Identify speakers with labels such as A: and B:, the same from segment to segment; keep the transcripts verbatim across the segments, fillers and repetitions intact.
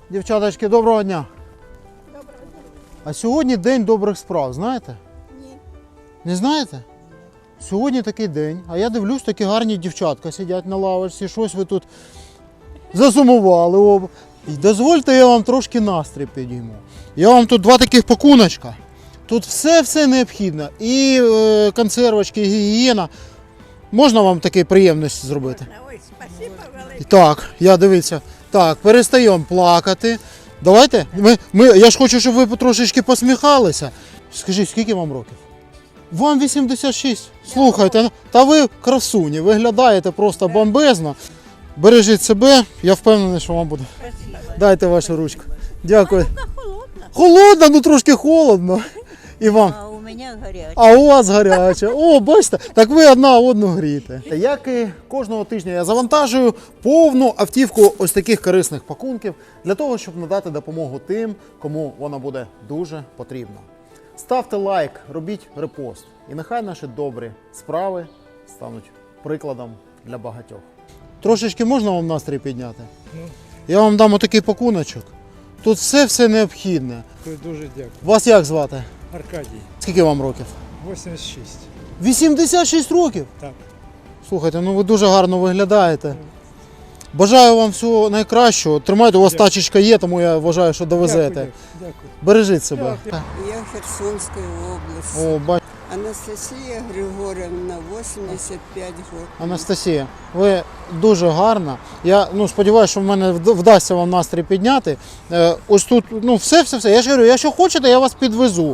A: Дівчаточки, доброго дня.
B: Доброго дня.
A: А сьогодні день добрих справ, знаєте?
B: Ні.
A: Не знаєте? Сьогодні такий день, а я дивлюсь, такі гарні дівчатка сидять на лавочці, щось ви тут засумували. оба. І дозвольте, я вам трошки настрій підійму. Я вам тут два таких пакуночка. Тут все-все необхідне. І е, консервочки, і гігієна. Можна вам таку приємність зробити?
B: Ой, спасибо велике.
A: Так, я дивіться. Так, перестаємо плакати. Давайте. Ми, ми, я ж хочу, щоб ви трошечки посміхалися. Скажіть, скільки вам років? Вам вісімдесят шість. Слухайте, та ви красуні, виглядаєте просто бомбезно. Бережіть себе, я впевнений, що вам буде.
B: Спасибо.
A: Дайте вашу ручку. Дякую.
B: Рука холодна.
A: Холодно, ну трошки холодно. І вам.
B: А у мене гаряча.
A: А у вас гаряче. О, бачите, так ви одна одну грієте. Як і кожного тижня я завантажую повну автівку ось таких корисних пакунків для того, щоб надати допомогу тим, кому вона буде дуже потрібна. Ставте лайк, робіть репост. І нехай наші добрі справи стануть прикладом для багатьох. Трошечки можна вам настрій підняти? Я вам дам отакий пакуночок. Тут все-все необхідне.
C: Дуже дякую.
A: Вас як звати?
C: Аркадій,
A: Скільки вам років?
C: вісімдесят шість.
A: вісімдесят шість років?
C: Так.
A: Слухайте, ну ви дуже гарно виглядаєте. Бажаю вам всього найкращого. Тримайте, у вас
C: Дякую.
A: тачечка є, тому я вважаю, що довезете.
C: Дякую, дякую.
A: Бережіть себе.
C: Дякую.
D: Я Херсонской области.
A: О, бач...
D: Анастасия Григорьевна, вісімдесят п'ять років.
A: Анастасія, ви дуже гарна. Я ну, сподіваюся, що в мене вд- вдасться вам настрій підняти. Е, ось тут, ну, все-все-все. Я ж говорю, якщо хочете, я вас підвезу.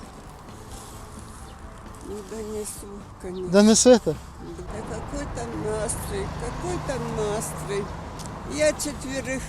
D: Ну, донесу, конечно.
A: Донесете?
D: Да какой там настрой, какой там настрой. Я четверых,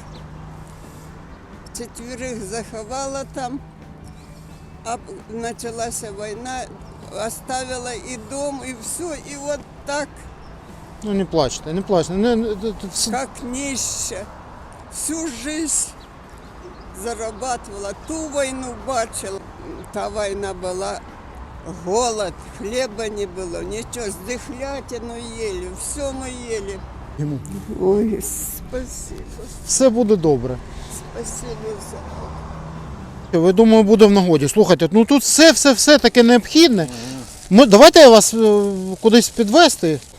D: четверых заховала там, а началась война, оставила и дом, и все, и вот так,
A: Ну не плачте, не плачте. Не, не, тут все-
D: как нища. Всю жизнь зарабатывала, ту войну бачила. Та война была, голод, хлеба не было, ничего, с дыхлятину ели, все мы ели.
A: йому.
D: Ой, спасибо,
A: Все буде добре.
D: спасибо за...
A: Ви, думаю, буде в нагоді. Слухайте, ну тут все-все-все таке необхідне. Ми, давайте я вас е, кудись підвезти.